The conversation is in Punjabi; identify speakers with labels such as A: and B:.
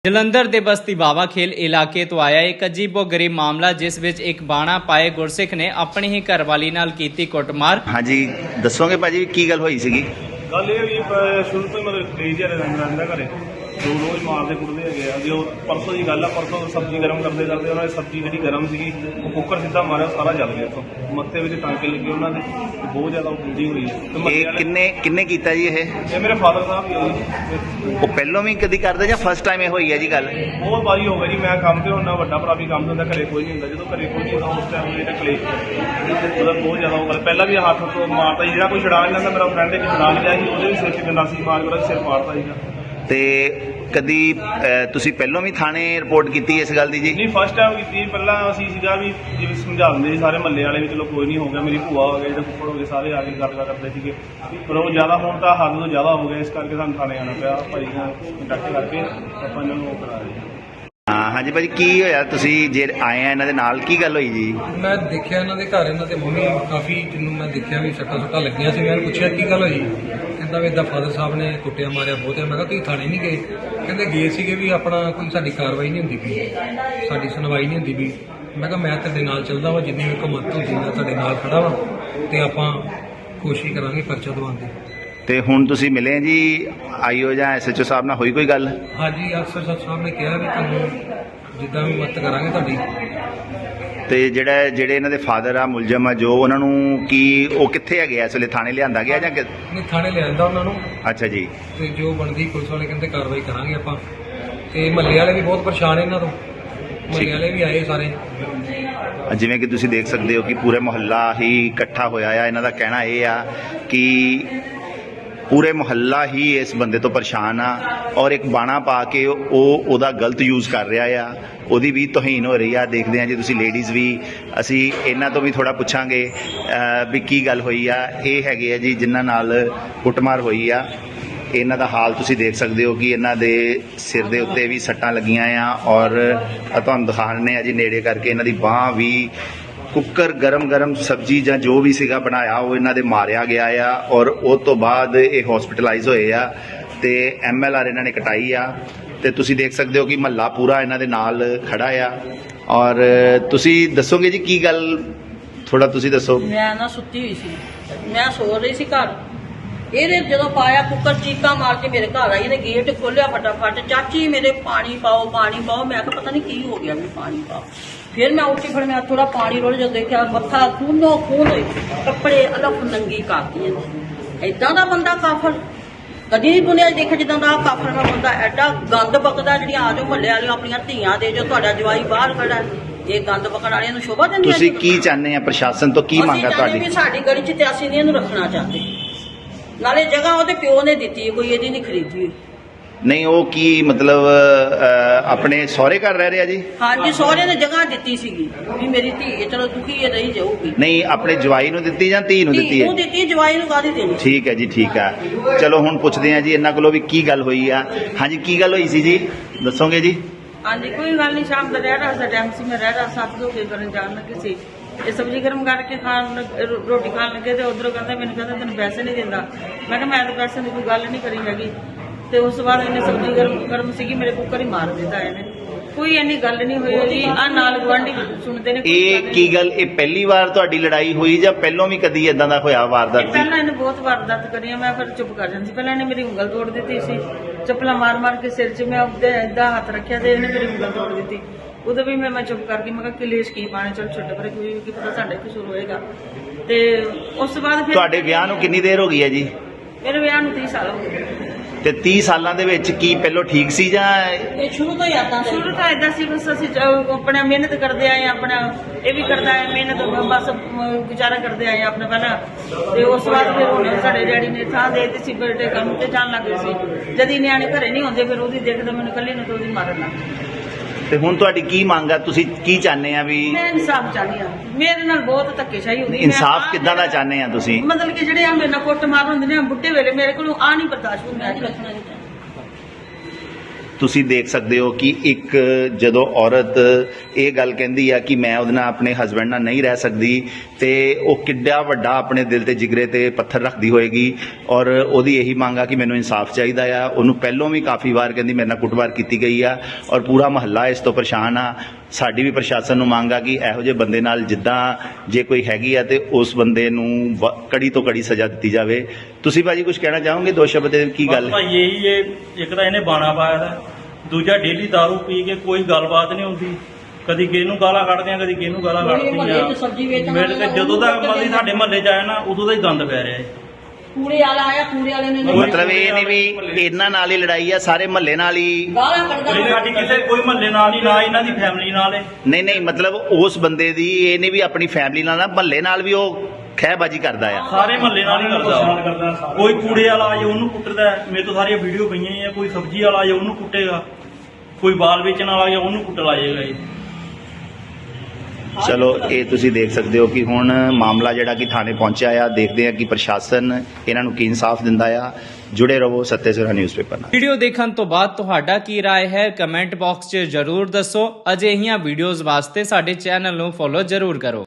A: ਜਲੰਧਰ ਦੇ ਬਸਤੀ ਬਾਵਾ ਖੇਲ ਇਲਾਕੇ ਤੋਂ ਆਇਆ ਇੱਕ ਅਜੀਬੋ-ਗਰੀਬ ਮਾਮਲਾ ਜਿਸ ਵਿੱਚ ਇੱਕ ਬਾਣਾ ਪਾਏ ਗੁਰਸਿੱਖ ਨੇ ਆਪਣੀ ਹੀ ਘਰਵਾਲੀ ਨਾਲ ਕੀਤੀ ਕੁੱਟਮਾਰ।
B: ਹਾਂਜੀ ਦੱਸੋਗੇ ਭਾਜੀ ਕੀ ਗੱਲ ਹੋਈ ਸੀਗੀ?
C: ਗੱਲ ਇਹ ਵੀ ਸ਼ੁਰੂ ਤੋਂ ਮਤਲਬ ਕਲੇਜ ਰਹਿੰਦਾ ਘਰੇ ਜੋ ਰੋਜ਼ ਮਾਰਦੇ ਕੁੱਟਦੇ ਹੈਗੇ ਆ। ਜੋ ਪਰਸੋਂ ਦੀ ਗੱਲ ਆ, ਪਰਸੋਂ ਸਬਜ਼ੀ ਗਰਮ ਕਰਦੇ ਉਹਨਾਂ ਦੀ ਸਬਜ਼ੀ ਜਿਹੜੀ ਗਰਮ ਸੀਗੀ ਉਹ ਕੁੱਕਰ ਸਿੱਧਾ ਮਾਰਿਆ, ਸਾਰਾ ਜਲ ਗਿਆ। ਇੱਥੋਂ ਮੱਥੇ ਵਿੱਚ ਟਾਂਕੇ ਲੱਗੇ ਉਹਨਾਂ ਦੇ, ਬਹੁਤ ਜ਼ਿਆਦਾ ਹੁੰਦੀ ਹੋਈ ਹੈ।
B: ਇਹ ਕਿੰਨੇ ਕੀਤਾ ਜੀ?
C: ਇਹ ਮੇਰੇ ਫਾਦਰ ਸਾਹਿਬ ਹੀ ਆ ਜੀ।
B: ਉਹ ਪਹਿਲਾਂ ਵੀ ਕਦੀ ਕਰਦੇ ਜਾਂ ਫਸਟ ਟਾਈਮ ਇਹ ਹੋਈ ਹੈ ਜੀ ਗੱਲ?
C: ਬਹੁਤ ਵਾਰੀ ਹੋ ਗਈ ਜੀ। ਮੈਂ ਕੰਮ ਤੇ ਹੁੰਦਾ, ਵੱਡਾ ਭਰਾ ਵੀ ਕੰਮ ਤੇ ਹੁੰਦਾ, ਘਰੇ ਕੋਈ ਨਹੀਂ ਹੁੰਦਾ। ਜਦੋਂ ਘਰੇ ਕੋਈ ਨਹੀਂ ਹੁੰਦਾ ਉਸ ਟਾਈਮ ਜਿਹੜਾ ਕਲੇਸ਼ ਉਹਦਾ ਬਹੁਤ ਜ਼ਿਆਦਾ ਹੋ ਗਿਆ। ਪਹਿਲਾਂ ਵੀ ਹੱਥ ਤੋਂ ਮਾਰਦਾ ਸੀ, ਜਿਹੜਾ ਕੋਈ ਛੁਡਾ ਨਹੀਂ ਲੈਂਦਾ। ਮੇਰਾ ਫਰੈਂਡ ਇੱਕ ਛੁਡਾ ਲਿਆ ਸੀ, ਉਹਦੇ ਵੀ ਸਿਰ 'ਚ ਗੰਡਾ ਸੀ ਮਾਰ ਕੇ ਸਿਰ ਮਾਰਦਾ ਸੀਗਾ।
B: ਤੇ ਕਦੀ ਤੁਸੀਂ ਪਹਿਲਾਂ ਵੀ ਥਾਣੇ ਰਿਪੋਰਟ ਕੀਤੀ ਇਸ ਗੱਲ ਦੀ ਜੀ?
C: ਨਹੀਂ, ਫਸਟ ਟਾਈਮ ਕੀਤੀ। ਪਹਿਲਾਂ ਅਸੀਂ ਸੀਗਾ ਵੀ ਜਿਵੇਂ ਸਮਝਾ ਦਿੰਦੇ ਸੀ ਸਾਰੇ ਮਹੱਲੇ ਵਾਲੇ ਵੀ, ਚਲੋ ਕੋਈ ਨਹੀਂ ਹੋ ਗਿਆ। ਮੇਰੀ ਭੂਆ ਹੋ ਗਏ, ਜਿਹੜੇ ਫੁੱਫੜ ਹੋ ਗਏ, ਸਾਰੇ ਆ ਕੇ ਗੱਲ ਕਰਦੇ ਸੀਗੇ। ਪਰ ਉਹ ਜ਼ਿਆਦਾ ਹੁਣ ਤਾਂ ਹੱਦ ਤੋਂ ਜ਼ਿਆਦਾ ਹੋ ਗਿਆ, ਇਸ ਕਰਕੇ ਸਾਨੂੰ ਥਾਣੇ ਆਉਣਾ ਪਿਆ। ਭਾਈ ਨਾਲ ਕੰਟੈਕਟ ਕਰਕੇ ਆਪਾਂ ਇਹਨਾਂ ਨੂੰ ਉਹ ਕਰਾ ਰਹੇ ਹਾਂ।
B: ਹਾਂਜੀ ਭਾਜੀ ਕੀ ਹੋਇਆ? ਤੁਸੀਂ ਜੇ ਆਏ ਆ ਇਹਨਾਂ ਦੇ ਨਾਲ, ਕੀ ਗੱਲ ਹੋਈ ਜੀ?
D: ਮੈਂ ਦੇਖਿਆ ਇਹਨਾਂ ਦੇ ਘਰ, ਇਹਨਾਂ ਦੇ ਮੰਮੀ ਕਾਫੀ, ਜਿਹਨੂੰ ਮੈਂ ਦੇਖਿਆ ਵੀ ਸੱਟਾਂ ਲੱਗੀਆਂ ਸੀ। ਮੈਂ ਪੁੱਛਿਆ ਕੀ ਗੱਲ ਹੋਈ, ਕਹਿੰਦਾ ਵੀ ਏਦਾਂ ਫਾਦਰ ਸਾਹਿਬ ਨੇ ਕੁੱਟਿਆ ਮਾਰਿਆ ਬਹੁਤ ਹੈ। ਮੈਂ ਕਿਹਾ ਤੁਸੀਂ ਥਾਣੇ ਨਹੀਂ ਗਏ? ਕਹਿੰਦੇ ਗਏ ਸੀਗੇ ਵੀ ਆਪਣਾ ਕੋਈ ਸਾਡੀ ਕਾਰਵਾਈ ਨਹੀਂ ਹੁੰਦੀ ਪਈ, ਸਾਡੀ ਸੁਣਵਾਈ ਨਹੀਂ ਹੁੰਦੀ ਪਈ। ਮੈਂ ਕਿਹਾ ਮੈਂ ਤੁਹਾਡੇ ਨਾਲ ਚੱਲਦਾ ਵਾ, ਜਿੰਨੀ ਵੀ ਹਕੂਮਤ ਹੁੰਦੀ ਮੈਂ ਤੁਹਾਡੇ ਨਾਲ ਖੜਾ ਵਾ, ਤੇ ਆਪਾਂ ਕੋਸ਼ਿਸ਼ ਕਰਾਂਗੇ ਪਰਚਾ ਦਵਾਉਣ ਦੀ।
B: ਤੇ ਹੁਣ ਤੁਸੀਂ ਮਿਲੇ ਜੀ ਆਈਓ ਜਾਂ ਐਸਐਚਓ ਸਾਹਿਬ ਨਾਲ, ਹੋਈ ਕੋਈ ਗੱਲ?
D: ਹਾਂਜੀ, ਅਫਸਰ ਸਾਹਿਬ ਨੇ ਕਿਹਾ ਵੀ ਤੁਹਾਨੂੰ ਜਿੱਦਾਂ ਵੀ ਮਦਦ ਕਰਾਂਗੇ ਤੁਹਾਡੀ।
B: ਤੇ ਜਿਹੜੇ ਇਹਨਾਂ ਦੇ ਫਾਦਰ ਆ ਮੁਲਜ਼ਮ ਆ ਜੋ, ਉਹਨਾਂ ਨੂੰ ਕੀ ਉਹ ਕਿੱਥੇ ਹੈਗੇ ਇਸ ਵੇਲੇ? ਥਾਣੇ ਲਿਆਂਦਾ ਗਿਆ ਜਾਂ
D: ਨਹੀਂ, ਥਾਣੇ ਲਿਆਂਦਾ ਉਹਨਾਂ ਨੂੰ।
B: ਅੱਛਾ ਜੀ।
D: ਤੇ ਜੋ ਬਣਦੀ ਪੁਲਿਸ ਵਾਲੇ ਕਹਿੰਦੇ ਕਾਰਵਾਈ ਕਰਾਂਗੇ ਆਪਾਂ। ਤੇ ਮਹੱਲੇ ਵਾਲੇ ਵੀ ਬਹੁਤ ਪਰੇਸ਼ਾਨ ਇਹਨਾਂ ਤੋਂ, ਮਹੱਲੇ ਵਾਲੇ ਵੀ ਆਏ ਸਾਰੇ।
B: ਜਿਵੇਂ ਕਿ ਤੁਸੀਂ ਦੇਖ ਸਕਦੇ ਹੋ ਕਿ ਪੂਰੇ ਮੁਹੱਲਾ ਹੀ ਇਕੱਠਾ ਹੋਇਆ ਆ। ਇਹਨਾਂ ਦਾ ਕਹਿਣਾ ਇਹ ਆ ਕਿ ਪੂਰੇ ਮੁਹੱਲਾ ਹੀ ਇਸ ਬੰਦੇ ਤੋਂ ਪਰੇਸ਼ਾਨ ਆ ਔਰ ਇੱਕ ਬਾਣਾ ਪਾ ਕੇ ਉਹਦਾ ਗਲਤ ਯੂਜ਼ ਕਰ ਰਿਹਾ ਆ, ਉਹਦੀ ਵੀ ਤੋਹੀਨ ਹੋ ਰਹੀ ਆ। ਦੇਖਦੇ ਆ ਜੀ ਤੁਸੀਂ ਲੇਡੀਜ਼ ਵੀ, ਅਸੀਂ ਇਹਨਾਂ ਤੋਂ ਵੀ ਥੋੜਾ ਪੁੱਛਾਂਗੇ ਵੀ ਕੀ ਗੱਲ ਹੋਈ ਆ। ਇਹ ਹੈਗੇ ਆ ਜੀ ਜਿਨ੍ਹਾਂ ਨਾਲ ਕੁੱਟਮਾਰ ਹੋਈ ਆ। ਇਹਨਾਂ ਦਾ ਹਾਲ ਤੁਸੀਂ ਦੇਖ ਸਕਦੇ ਹੋ ਕਿ ਇਹਨਾਂ ਦੇ ਸਿਰ ਦੇ ਉੱਤੇ ਵੀ ਸੱਟਾਂ ਲੱਗੀਆਂ ਆ ਔਰ ਤੁਹਾਨੂੰ ਦਿਖਾਣੇ ਆ ਜੀ ਨੇੜੇ ਕਰਕੇ। ਇਹਨਾਂ ਦੀ ਬਾਂਹ ਵੀ, ਕੁੱਕਰ ਗਰਮ ਸਬਜ਼ੀ ਜਾਂ ਜੋ ਵੀ ਸੀਗਾ ਬਣਾਇਆ ਉਹ ਇਹਨਾਂ ਦੇ ਮਾਰਿਆ ਗਿਆ ਆ ਔਰ ਉਹ ਤੋਂ ਬਾਅਦ ਇਹ ਹਸਪੀਟਲਾਈਜ਼ ਹੋਏ ਆ ਤੇ MLR ਇਹਨਾਂ ਨੇ ਕਟਾਈ ਆ। ਤੇ ਤੁਸੀਂ ਦੇਖ ਸਕਦੇ ਹੋ ਕਿ ਮਹੱਲਾ ਪੂਰਾ ਇਹਨਾਂ ਦੇ ਨਾਲ ਖੜਾ ਆ। ਔਰ ਤੁਸੀਂ ਦੱਸੋਗੇ ਜੀ ਕੀ ਗੱਲ, ਥੋੜਾ ਤੁਸੀਂ ਦੱਸੋ।
E: ਮੈਂ ਨਾ ਸੁੱਤੀ ਹੋਈ ਸੀ, ਮੈਂ ਸੋ ਰਹੀ ਸੀ ਘਰ। ਇਹਨੇ ਜਦੋਂ ਪਾਇਆ ਕੁੱਕਰ, ਚੀਕਾਂ ਮਾਰ ਕੇ ਮੇਰੇ ਘਰ ਆਈ। ਇਹਨੇ ਗੇਟ ਖੋਲਿਆ ਫਟਾਫਟ, ਚਾਚੀ ਮੇਰੇ ਪਾਣੀ ਪਾਓ ਪਾਣੀ ਪਾਓ। ਮੈਂ ਕਿਹਾ ਪਤਾ ਨਹੀਂ ਕੀ ਹੋ ਗਿਆ, ਮੈਨੂੰ ਪਾਣੀ ਪਾਓ। ਫਿਰ ਮੈਂ ਉੱਠੀ, ਫਿਰ ਮੈਂ ਥੋੜਾ ਪਾਣੀ ਰੋਲ, ਜਦੋਂ ਦੇਖਿਆ ਮੱਥਾ ਖੂਨੋ ਖੂਨ ਹੋਏ, ਕੱਪੜੇ ਅਲੱਗ ਨੰਗੀ ਕਰਤੀ। ਏਦਾਂ ਦਾ ਬੰਦਾ ਕਾਫਰ ਕਦੀ ਨਹੀਂ ਦੁਨੀਆ 'ਚ ਦੇਖਿਆ ਜਿੱਦਾਂ ਦਾ ਕਾਫਰ ਦਾ ਬੰਦਾ। ਐਡਾ ਗੰਦ ਬਕਦਾ। ਜਿਹੜੀਆਂ ਆ ਜਾਓ ਮਹੱਲੇ ਵਾਲੀਆਂ ਆਪਣੀਆਂ ਧੀਆਂ ਦੇ, ਜੋ ਤੁਹਾਡਾ ਜਵਾਈ ਬਾਹਰ ਖੜਾ, ਇਹ ਗੰਦ ਬਕਣ ਵਾਲਿਆਂ ਨੂੰ ਸ਼ੋਭਾ ਦਿੰਦੀ।
B: ਤੁਸੀਂ ਕੀ ਚਾਹੁੰਦੇ ਆ ਪ੍ਰਸ਼ਾਸਨ ਤੋਂ, ਕੀ ਮੰਗਾ ਤੁਹਾਡੀ?
E: ਵੀ ਸਾਡੀ ਗਲੀ 'ਚ ਤੇ ਅਸੀਂ ਨਹੀਂ ਇਹਨੂੰ ਰੱਖਣਾ ਚਾਹੁੰਦੇ। ਨਾਲੇ ਜਗ੍ਹਾ ਉਹਦੇ ਪਿਓ ਨੇ ਦਿੱਤੀ, ਕੋਈ ਇਹਦੀ ਨਹੀਂ ਖਰੀਦੀ।
B: ਨਹੀਂ ਉਹ ਕੀ ਮਤਲਬ ਆਪਣੇ ਸਹੁਰੇ ਘਰ ਰਹਿ ਰਿਹਾ ਜੀ?
E: ਹਾਂਜੀ, ਸਹੁਰੇ ਨੇ ਜਗ੍ਹਾ ਦਿੱਤੀ ਸੀਗੀ ਵੀ ਮੇਰੀ ਧੀ ਚਲੋ ਦੁਖੀ ਇਹ ਰਹੀ ਜਾਊਗੀ।
B: ਨਹੀਂ ਆਪਣੇ ਜਵਾਈ ਨੂੰ ਦਿੱਤੀ ਜਾਂ ਧੀ ਨੂੰ ਦਿੱਤੀ ਹੈ?
E: ਉਹ ਦਿੱਤੀ, ਜਵਾਈ ਨੂੰ ਕਾਹਦੀ ਦੇਣੀ।
B: ਠੀਕ ਹੈ ਜੀ, ਠੀਕ ਹੈ। ਚਲੋ ਹੁਣ ਪੁੱਛਦੇ ਆ ਜੀ ਇਹਨਾਂ ਕੋਲੋਂ ਵੀ ਕੀ ਗੱਲ ਹੋਈ ਆ। ਹਾਂਜੀ ਕੀ ਗੱਲ ਹੋਈ ਸੀ ਜੀ, ਦੱਸੋਗੇ ਜੀ?
F: ਹਾਂਜੀ, ਕੋਈ ਗੱਲ ਨਹੀਂ। ਸ਼ਾਮ ਦਾ ਰਹਿ ਰਹਾ ਦਾ ਟਾਈਮ ਸੀ, ਮੈਂ ਰਹਿ ਰਹਾ ਸਾਥ ਦੋ ਕੇ ਕਰਨ ਜਾਣ ਲੱਗੇ ਸੀ। ਇਹ ਸਬਜ਼ੀ ਗਰਮ ਕਰਕੇ ਰੋਟੀ ਖਾਣ ਲੱਗੇ ਤੇ ਉਧਰੋਂ ਕਹਿੰਦਾ, ਮੈਨੂੰ ਕਹਿੰਦਾ ਤੈਨੂੰ ਪੈਸੇ ਨਹੀਂ ਦਿੰਦਾ। ਮੈਂ ਕਿਹਾ ਮੈਂ ਤਾਂ ਪੈਸੇ ਦੀ ਕੋਈ ਗੱਲ ਨਹੀਂ ਕਰੀ ਹੈਗੀ। ਤੇ ਉਸ ਤੋਂ ਬਾਅਦ ਇਹਨੇ ਸਬਜ਼ੀ ਗਰਮ ਸੀਗੀ, ਮੇਰੇ ਕੁੱਕਰ ਹੀ ਮਾਰ ਦਿੱਤਾ ਇਹਨੇ। ਕੋਈ ਇੰਨੀ ਗੱਲ ਨਹੀਂ ਹੋਈ ਜੀ। ਆ ਨਾਲ ਗੁਆਂਢੀ ਸੁਣਦੇ ਨੇ।
B: ਇਹ ਕੀ ਗੱਲ, ਇਹ ਪਹਿਲੀ ਵਾਰ ਤੁਹਾਡੀ ਲੜਾਈ ਹੋਈ ਜਾਂ ਪਹਿਲਾਂ ਵੀ ਕਦੀ ਇਦਾਂ ਦਾ ਹੋਇਆ ਵਾਰਦਾਤ ਸੀ?
F: ਪਹਿਲਾਂ ਇਹਨੇ ਬਹੁਤ ਵਾਰਦਾਤ ਕਰੀਆਂ, ਮੈਂ ਫਿਰ ਚੁੱਪ ਕਰ ਜਾਂਦੀ। ਪਹਿਲਾਂ ਇਹਨੇ ਮੇਰੀ ਉਂਗਲ ਤੋੜ ਦਿੱਤੀ ਸੀ, ਚੱਪਲਾਂ ਮਾਰ ਕੇ ਸਿਰ 'ਚ ਮੈਂ ਏਦਾਂ ਹੱਥ ਰੱਖਿਆ ਤੇ ਇਹਨੇ ਮੇਰੀ ਉਂਗਲ ਤੋੜ ਦਿੱਤੀ। ਉਦੋਂ ਵੀ ਮੈਂ ਚੁੱਪ ਕਰਕੇ ਮੈਂ ਕਿਹਾ ਕਲੇਸ਼ ਕੀ ਪਾਣੇ, ਚਲ ਛੱਡ ਪਰੇ, ਕੋਈ ਕੀ ਪਤਾ ਸਾਡਾ ਹੀ ਕਸੂਰ ਹੋਏਗਾ। ਤੇ ਉਸ ਤੋਂ ਬਾਅਦ ਫਿਰ
B: ਤੁਹਾਡੇ ਵਿਆਹ ਨੂੰ ਕਿੰਨੀ ਦੇਰ ਹੋ ਗਈ ਹੈ ਜੀ?
F: ਮੇਰੇ ਵਿਆਹ ਨੂੰ 30 ਸਾਲ ਹੋ ਗਏ।
B: ਤੇ 30 ਸਾਲਾਂ ਦੇ ਵਿੱਚ ਕੀ ਪਹਿਲਾਂ ਠੀਕ ਸੀ ਜਾਂ?
E: ਇਹ ਸ਼ੁਰੂ ਤੋਂ ਹੀ ਆਦਾਂ
F: ਸ਼ੁਰੂ ਤੋਂ ਏਦਾਂ ਸੀ, ਬਸ ਅਸੀਂ ਆਪਣਾ ਮਿਹਨਤ ਕਰਦੇ ਆਏ, ਆਪਣਾ ਇਹ ਵੀ ਕਰਦਾ ਹੈ ਮਿਹਨਤ, ਬਸ ਗੁਜ਼ਾਰਾ ਕਰਦੇ ਆਏ ਆਪਣਾ ਪਹਿਲਾਂ। ਤੇ ਉਸ ਤੋਂ ਬਾਅਦ ਫਿਰ ਹੁਣ ਸਾਡੇ ਡੈਡੀ ਨੇ ਥਾਂ ਦੇ ਦਿੱਤੀ ਸੀ, ਬੇਟੇ ਕੰਮ ਤੇ ਜਾਣ ਲੱਗ ਗਏ ਸੀ। ਜਦ ਹੀ ਨਿਆਣੇ ਘਰੇ ਨਹੀਂ ਹੁੰਦੇ ਫਿਰ ਉਹਦੀ ਦੇਖਦਾ ਮੈਨੂੰ ਇਕੱਲੀ ਨੂੰ, ਤੇ ਉਹਦੀ ਮਾਰਨ ਲੱਗ ਗਈ।
B: ਤੇ ਹੁਣ ਤੁਹਾਡੀ ਕੀ ਮੰਗ ਆ, ਤੁਸੀਂ ਕੀ ਚਾਹੁੰਦੇ ਆ ਵੀ?
F: ਮੈਂ ਇਨਸਾਫ ਚਾਹੁੰਦੀ ਹਾਂ। ਮੇਰੇ ਨਾਲ ਬਹੁਤ ਧੱਕੇਸ਼ਾਹੀ ਹੁੰਦੀ।
B: ਇਨਸਾਫ ਕਿੱਦਾਂ ਦਾ ਚਾਹੁੰਦੇ ਆ ਤੁਸੀਂ?
F: ਮਤਲਬ ਕਿ ਜਿਹੜੇ ਆ ਮੇਰੇ ਨਾਲ ਕੁੱਟ ਮਾਰ ਹੁੰਦੇ ਨੇ ਬੁੱਢੇ ਵੇਲੇ, ਮੇਰੇ ਕੋਲੋਂ ਆ ਨਹੀਂ ਬਰਦਾਸ਼ਤ ਹੁੰਦਾ।
B: ਤੁਸੀਂ ਦੇਖ ਸਕਦੇ ਹੋ ਕਿ ਇੱਕ ਜਦੋਂ ਔਰਤ ਇਹ ਗੱਲ ਕਹਿੰਦੀ ਆ ਕਿ ਮੈਂ ਉਹਦੇ ਨਾਲ ਆਪਣੇ ਹਸਬੰਡ ਨਾਲ ਨਹੀਂ ਰਹਿ ਸਕਦੀ ਤੇ ਉਹ ਕਿੱਡਾ ਵੱਡਾ ਆਪਣੇ ਦਿਲ ਤੇ ਜਿਗਰੇ ਤੇ ਪੱਥਰ ਰੱਖਦੀ ਹੋਏਗੀ ਔਰ ਉਹਦੀ ਇਹੀ ਮੰਗ ਆ ਕਿ ਮੈਨੂੰ ਇਨਸਾਫ ਚਾਹੀਦਾ ਆ। ਉਹਨੂੰ ਪਹਿਲਾਂ ਵੀ ਕਾਫੀ ਵਾਰ ਕਹਿੰਦੀ ਮੇਰੇ ਨਾਲ ਕੁੱਟਮਾਰ ਕੀਤੀ ਗਈ ਆ ਔਰ ਪੂਰਾ ਮਹੱਲਾ ਇਸ ਤੋਂ ਪਰੇਸ਼ਾਨ ਆ। ਸਾਡੀ ਵੀ ਪ੍ਰਸ਼ਾਸਨ ਨੂੰ ਮੰਗ ਆ ਕਿ ਇਹੋ ਜਿਹੇ ਬੰਦੇ ਨਾਲ ਜਿੱਦਾਂ ਜੇ ਕੋਈ ਹੈਗੀ ਆ ਤੇ ਉਸ ਬੰਦੇ ਨੂੰ ਕੜੀ ਤੋਂ ਕੜੀ ਸਜ਼ਾ ਦਿੱਤੀ ਜਾਵੇ। ਤੁਸੀਂ ਭਾਜੀ ਕੁਝ ਕਹਿਣਾ ਚਾਹੋਗੇ ਦੋ ਸ਼ਬਦ ਦੇ ਕੀ ਗੱਲ ਹੈ?
G: ਭਾਈ ਇਹੀ ਹੈ, ਇੱਕ ਤਾਂ ਇਹਨੇ ਬਾਣਾ ਪਾਇਆ ਦਾ, ਦੂਜਾ ਡੇਲੀ ਦਾਰੂ ਪੀ ਕੇ ਕੋਈ ਗੱਲਬਾਤ ਨਹੀਂ ਹੁੰਦੀ, ਕਦੀ ਕਿਹਨੂੰ ਗਾਲਾਂ ਕੱਢਦੇ ਆ ਕਦੀ ਕਿਹਨੂੰ ਗਾਲਾਂ
E: ਕੋਈ ਮੁਹੱਲੇ 'ਚ ਸਬਜ਼ੀ ਵੇਚਣ
G: ਕੱਢਦੇ ਮੇਰੇ ਤੇ
E: ਵਾਲਾ
G: ਜਦੋਂ ਦਾ
E: ਉਹਨੂੰ
G: ਮਤਲਬ ਸਾਡੇ ਮਹੱਲੇ 'ਚ ਆਇਆ ਨਾ ਉਦੋਂ ਦਾ ਹੀ ਗੰਦ ਪੈ ਰਿਹਾ ਹੈ।
E: ਕੂੜੇ ਵਾਲਾ ਆਇਆ, ਕੂੜੇ ਵਾਲੇ ਨੇ
B: ਮਤਲਬ ਇਹ ਨਹੀਂ ਵੀ ਇਹਨਾਂ ਨਾਲ ਹੀ ਲੜਾਈ ਆ, ਸਾਰੇ ਮਹੱਲੇ ਨਾਲ ਹੀ?
E: ਗਾਲਾਂ ਕੱਢਦਾ
G: ਕੋਈ ਸਾਡੀ ਕਿਸੇ ਕੋਈ ਮਹੱਲੇ ਨਾਲ ਨਹੀਂ, ਨਾ ਇਹਨਾਂ ਦੀ ਫੈਮਿਲੀ ਨਾਲ ਹੈ।
B: ਨਹੀਂ ਨਹੀਂ, ਮਤਲਬ ਉਸ ਬੰਦੇ ਦੀ ਇਹ ਨਹੀਂ ਵੀ ਆਪਣੀ ਫੈਮਿਲੀ ਨਾਲ ਨਾ, ਮਹੱਲੇ ਨਾਲ ਵੀ ਉਹ ਖਹਿਬਾਜੀ ਕਰਦਾ ਆ।
G: ਸਾਰੇ ਮਹੱਲੇ ਨਾਲ ਹੀ ਕਰਦਾ। ਕੋਈ ਕੂੜੇ ਵਾਲਾ ਆਏ ਉਹਨੂੰ ਕੁੱਟਦਾ ਹੈ। ਮੇਰੇ ਤੋਂ ਸਾਰੀਆਂ ਵੀਡੀਓ ਪਈਆਂ ਆ। ਕੋਈ ਸਬਜ਼ੀ ਵਾਲਾ ਆਏ ਉਹਨੂੰ ਕੁੱਟੇਗਾ, ਕੋਈ ਬਾਲ ਵੇਚਣ ਵਾਲਾ ਆਏ ਉਹਨੂੰ ਕੁੱਟ ਲਾਏਗਾ ਜੀ।
B: ਚਲੋ ਇਹ ਤੁਸੀਂ ਦੇਖ ਸਕਦੇ ਹੋ ਕਿ ਹੁਣ ਮਾਮਲਾ ਜਿਹੜਾ ਕਿ ਥਾਣੇ ਪਹੁੰਚਿਆ ਆ। ਦੇਖਦੇ ਆ ਕਿ ਪ੍ਰਸ਼ਾਸਨ ਇਹਨਾਂ ਨੂੰ ਕੀ ਇਨਸਾਫ ਦਿੰਦਾ ਆ। ਜੁੜੇ ਰਹੋ ਸੱਤੇ ਸਿਰਾ ਨਿਊਜ਼ਪੇਪਰ ਨਾਲ।
A: ਵੀਡੀਓ ਦੇਖਣ ਤੋਂ ਬਾਅਦ ਤੁਹਾਡਾ ਕੀ ਰਾਏ ਹੈ ਕਮੈਂਟ ਬਾਕਸ 'ਚ ਜ਼ਰੂਰ ਦੱਸੋ। ਅਜਿਹੀਆਂ ਵੀਡੀਓਜ਼ ਵਾਸਤੇ ਸਾਡੇ ਚੈਨਲ ਨੂੰ ਫੋਲੋ ਜ਼ਰੂਰ ਕਰੋ।